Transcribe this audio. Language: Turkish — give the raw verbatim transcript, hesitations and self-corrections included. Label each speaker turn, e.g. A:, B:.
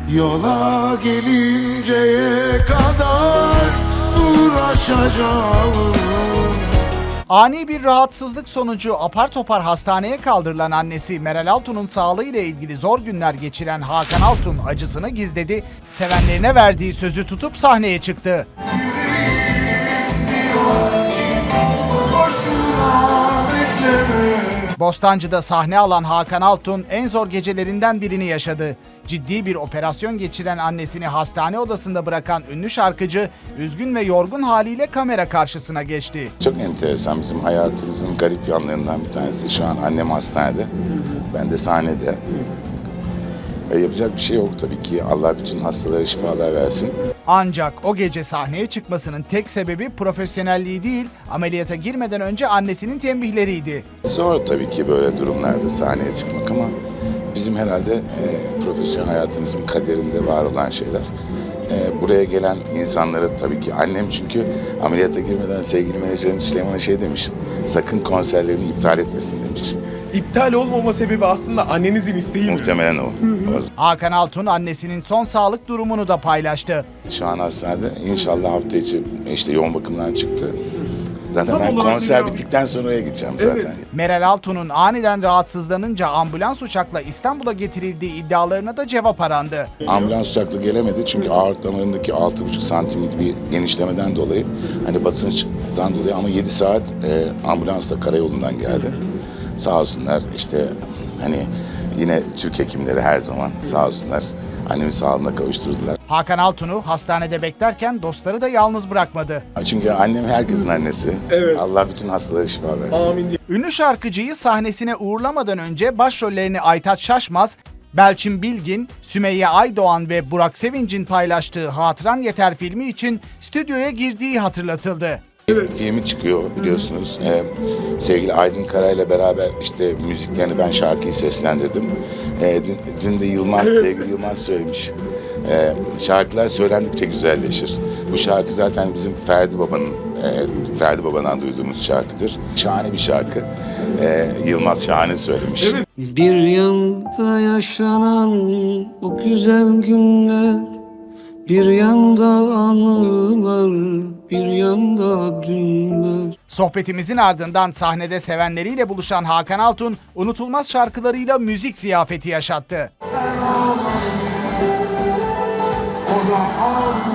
A: Yola gelinceye kadar uğraşacağım.
B: Ani bir rahatsızlık sonucu apar topar hastaneye kaldırılan annesi Meral Altun'un sağlığıyla ilgili zor günler geçiren Hakan Altun acısını gizledi, sevenlerine verdiği sözü tutup sahneye çıktı. Bostancı'da sahne alan Hakan Altun en zor gecelerinden birini yaşadı. Ciddi bir operasyon geçiren annesini hastane odasında bırakan ünlü şarkıcı üzgün ve yorgun haliyle kamera karşısına geçti.
C: Çok enteresan, bizim hayatımızın garip yanlarından bir tanesi. Şu an annem hastanede, ben de sahnede. E, yapacak bir şey yok tabii ki. Allah bütün hastalara şifalar versin.
B: Ancak o gece sahneye çıkmasının tek sebebi profesyonelliği değil, ameliyata girmeden önce annesinin tembihleriydi.
C: Zor tabii ki böyle durumlarda sahneye çıkmak ama bizim herhalde e, profesyonel hayatımızın kaderinde var olan şeyler. E, buraya gelen insanlara tabii ki annem, çünkü ameliyata girmeden sevgili menajerim Süleyman'a şey demiş, sakın konserlerini iptal etmesin demiş.
D: İptal olmama sebebi aslında annenizin isteği mi?
C: Muhtemelen o. o.
B: Hakan Altun annesinin son sağlık durumunu da paylaştı.
C: Şu an hastanede, inşallah hafta içi işte yoğun bakımdan çıktı. Zaten
D: Tam
C: ben
D: olarak
C: konser
D: bir-
C: bittikten sonra oraya gideceğim zaten.
D: Evet.
B: Meral Altun'un aniden rahatsızlanınca ambulans uçakla İstanbul'a getirildiği iddialarına da cevap arandı.
C: Ambulans uçakla gelemedi çünkü aort damarındaki altı buçuk santimlik bir genişlemeden dolayı, hani basınçtan dolayı, ama yedi saat e, ambulansla karayolundan geldi. Sağ olsunlar işte, hani yine Türk hekimleri her zaman sağ olsunlar annemi sağlığına kavuşturdular.
B: Hakan Altun'u hastanede beklerken dostları da yalnız bırakmadı.
C: Çünkü annem herkesin annesi.
D: Evet.
C: Allah bütün hastalara şifa versin.
D: Amin diye.
B: Ünlü şarkıcıyı sahnesine uğurlamadan önce başrollerini Aytaç Şaşmaz, Belçin Bilgin, Sümeyye Aydoğan ve Burak Sevinç'in paylaştığı Hatıran Yeter filmi için stüdyoya girdiği hatırlatıldı.
C: Filmi çıkıyor biliyorsunuz. Ee, sevgili Aydın Karay'la beraber işte müziklerini, ben şarkıyı seslendirdim. Ee, dün, dün de Yılmaz, sevgili Yılmaz söylemiş. Ee, şarkılar söylendikçe güzelleşir. Bu şarkı zaten bizim Ferdi Baba'nın, e, Ferdi Baba'dan duyduğumuz şarkıdır. Şahane bir şarkı. Ee, Yılmaz şahane söylemiş.
E: Bir yanda yaşanan o güzel günler, bir yanda anılar, bir yanda dünler.
B: Sohbetimizin ardından sahnede sevenleriyle buluşan Hakan Altun, unutulmaz şarkılarıyla müzik ziyafeti yaşattı.
A: O da